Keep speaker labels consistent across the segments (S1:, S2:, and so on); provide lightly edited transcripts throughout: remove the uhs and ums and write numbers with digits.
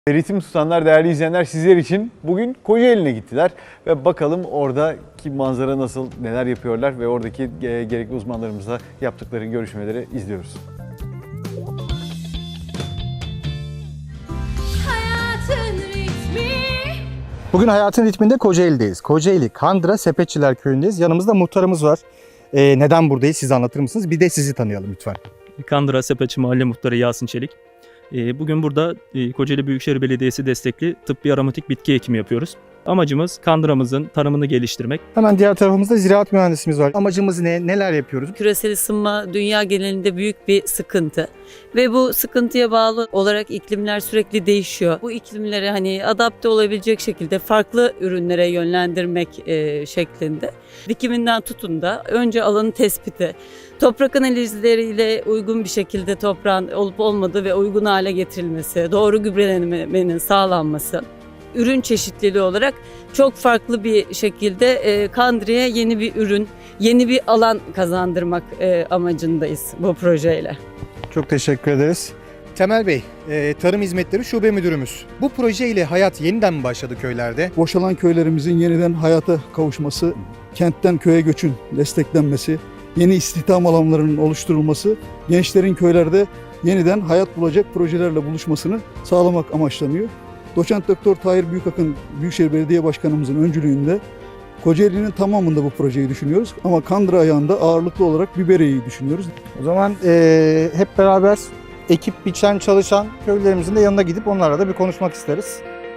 S1: Ritim tutanlar, değerli izleyenler, sizler için bugün Kocaeli'ne gittiler ve bakalım oradaki manzara nasıl, neler yapıyorlar ve oradaki gerekli uzmanlarımızla yaptıkları görüşmeleri izliyoruz.
S2: Bugün Hayatın Ritmi'nde Kocaeli'deyiz. Kocaeli Kandıra Sepetçiler Köyü'ndeyiz. Yanımızda muhtarımız var. Neden buradayız siz anlatır mısınız? Bir de sizi tanıyalım lütfen.
S3: Kandıra Sepetçi Mahalle Muhtarı Yasin Çelik. Bugün burada Kocaeli Büyükşehir Belediyesi destekli tıbbi aromatik bitki ekimi yapıyoruz. Amacımız Kandıra'mızın tarımını geliştirmek.
S2: Hemen diğer tarafımızda ziraat mühendisimiz var. Amacımız ne? Neler yapıyoruz?
S4: Küresel ısınma dünya genelinde büyük bir sıkıntı ve bu sıkıntıya bağlı olarak iklimler sürekli değişiyor. Bu iklimlere adapte olabilecek şekilde farklı ürünlere yönlendirmek şeklinde. Dikiminden tutun da önce alanın tespiti, toprak analizleriyle uygun bir şekilde toprağın olup olmadığı ve uygun hale getirilmesi, doğru gübrelenmenin sağlanması, ürün çeşitliliği olarak çok farklı bir şekilde Kandıra'ya yeni bir ürün, yeni bir alan kazandırmak amacındayız bu projeyle.
S2: Çok teşekkür ederiz. Temel Bey, Tarım Hizmetleri Şube Müdürümüz. Bu proje ile hayat yeniden mi başladı köylerde?
S5: Boşalan köylerimizin yeniden hayata kavuşması, kentten köye göçün desteklenmesi, yeni istihdam alanlarının oluşturulması, gençlerin köylerde yeniden hayat bulacak projelerle buluşmasını sağlamak amaçlanıyor. Doçent Doktor Tahir Büyükakın Büyükşehir Belediye Başkanımızın öncülüğünde Kocaeli'nin tamamında bu projeyi düşünüyoruz. Ama Kandıra ayağında ağırlıklı olarak Biberiye'yi düşünüyoruz.
S2: O zaman hep beraber ekip biçen çalışan köylerimizin de yanına gidip onlarla da bir konuşmak isteriz.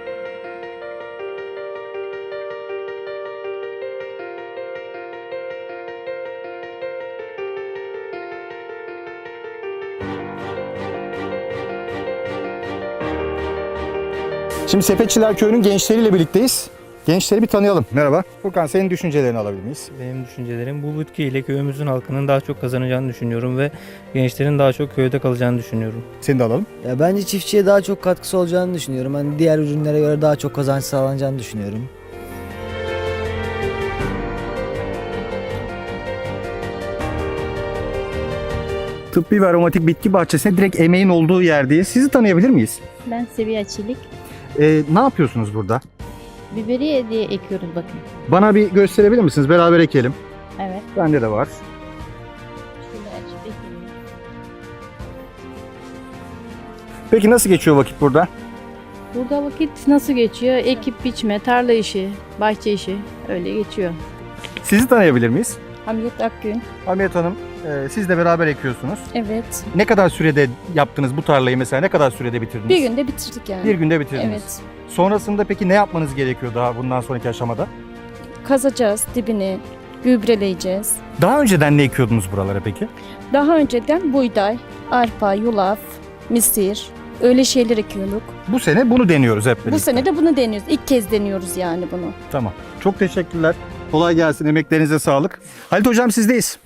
S2: Şimdi Sepetçiler Köyü'nün gençleriyle birlikteyiz. Gençleri bir tanıyalım. Merhaba. Furkan, senin düşüncelerini alabilir miyiz?
S6: Benim düşüncelerim bu bitkiyle köyümüzün halkının daha çok kazanacağını düşünüyorum ve gençlerin daha çok köyde kalacağını düşünüyorum.
S2: Seni de alalım.
S7: Ya bence çiftçiye daha çok katkısı olacağını düşünüyorum. Hani diğer ürünlere göre daha çok kazanç sağlanacağını düşünüyorum.
S2: Tıbbi ve aromatik bitki bahçesine direkt emeğin olduğu yerdeyiz. Sizi tanıyabilir miyiz?
S8: Ben Seviye Çelik.
S2: Ne yapıyorsunuz burada?
S8: Biberiye diye ekiyoruz bakın.
S2: Bana bir gösterebilir misiniz? Beraber ekelim.
S8: Evet.
S2: Bende de var.
S8: Şöyle açıp ekiyoruz.
S2: Peki nasıl geçiyor vakit burada?
S8: Burada vakit nasıl geçiyor? Ekip biçme, tarla işi, bahçe işi öyle geçiyor.
S2: Sizi tanıyabilir miyiz?
S8: Hamiyet Akgün.
S2: Hamiyet Hanım, siz de beraber ekiyorsunuz.
S8: Evet.
S2: Ne kadar sürede yaptınız bu tarlayı mesela? Ne kadar sürede bitirdiniz?
S8: Bir günde bitirdik yani.
S2: Bir günde bitirdiniz.
S8: Evet.
S2: Sonrasında peki ne yapmanız gerekiyor daha bundan sonraki aşamada?
S8: Kazacağız dibini, gübreleyeceğiz.
S2: Daha önceden ne ekiyordunuz buralara peki?
S8: Daha önceden buğday, arpa, yulaf, misir öyle şeyler ekiyorduk.
S2: Bu sene bunu deniyoruz hep birlikte.
S8: Bu sene de bunu deniyoruz. İlk kez deniyoruz yani bunu.
S2: Tamam. Çok teşekkürler. Kolay gelsin. Emeklerinize sağlık. Halit Hocam sizdeyiz.